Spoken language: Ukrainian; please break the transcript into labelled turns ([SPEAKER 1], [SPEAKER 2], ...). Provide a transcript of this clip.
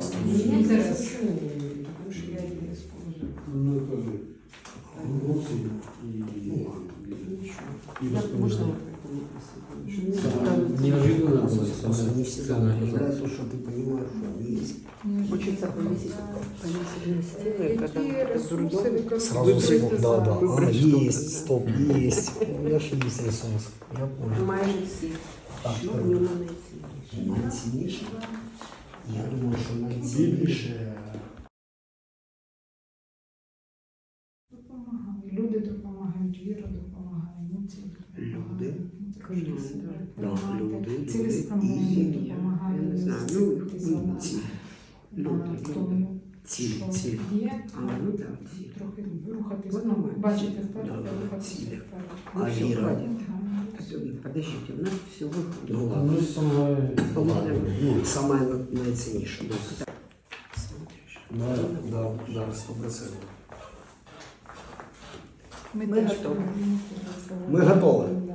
[SPEAKER 1] Интерес. Потому что я ее использую.
[SPEAKER 2] Ну, тоже эмоции и
[SPEAKER 1] Можно
[SPEAKER 2] воспоминания. Неожиданно было
[SPEAKER 3] Не всегда
[SPEAKER 2] самое
[SPEAKER 3] нравится, что ты понимаешь, что они есть.
[SPEAKER 4] Хочется повесить на стены, когда дурдом.
[SPEAKER 3] Сразу вспомнил, да, да.
[SPEAKER 4] Выбрать
[SPEAKER 3] Есть, стоп, есть. Я же есть ресурс. Я понял.
[SPEAKER 4] Майже всі.
[SPEAKER 3] Так,
[SPEAKER 4] Що в ньому найцінніше?
[SPEAKER 3] найцінніше? Я думаю, що найцінніше.
[SPEAKER 1] Допомагають. Люди допомагають, віра допомагає, емоції допомагають.
[SPEAKER 3] Да, люди.
[SPEAKER 1] Цілеспрямовані
[SPEAKER 3] І
[SPEAKER 1] допомагає.
[SPEAKER 4] не знаю,
[SPEAKER 3] ну, ці.
[SPEAKER 1] Тому,
[SPEAKER 3] Ціль,
[SPEAKER 1] що
[SPEAKER 3] ціль.
[SPEAKER 1] є,
[SPEAKER 4] Ну так, ці.
[SPEAKER 1] трохи рухатись,
[SPEAKER 4] Воно
[SPEAKER 1] ну,
[SPEAKER 4] має
[SPEAKER 1] бачити
[SPEAKER 4] ціль.
[SPEAKER 1] вперед,
[SPEAKER 3] Да,
[SPEAKER 1] рухатись
[SPEAKER 3] ціль.
[SPEAKER 1] вперед.
[SPEAKER 3] А віра?
[SPEAKER 4] Подождите, у нас всього
[SPEAKER 3] Ну
[SPEAKER 2] Ну,
[SPEAKER 3] ладно.
[SPEAKER 2] самое...
[SPEAKER 3] Ну, саме найцінніше.
[SPEAKER 4] смотриш.
[SPEAKER 3] Да, 100%.
[SPEAKER 1] Ми
[SPEAKER 4] Ми
[SPEAKER 1] теж
[SPEAKER 4] готові.
[SPEAKER 1] повинні
[SPEAKER 3] Ми готові.
[SPEAKER 1] Да.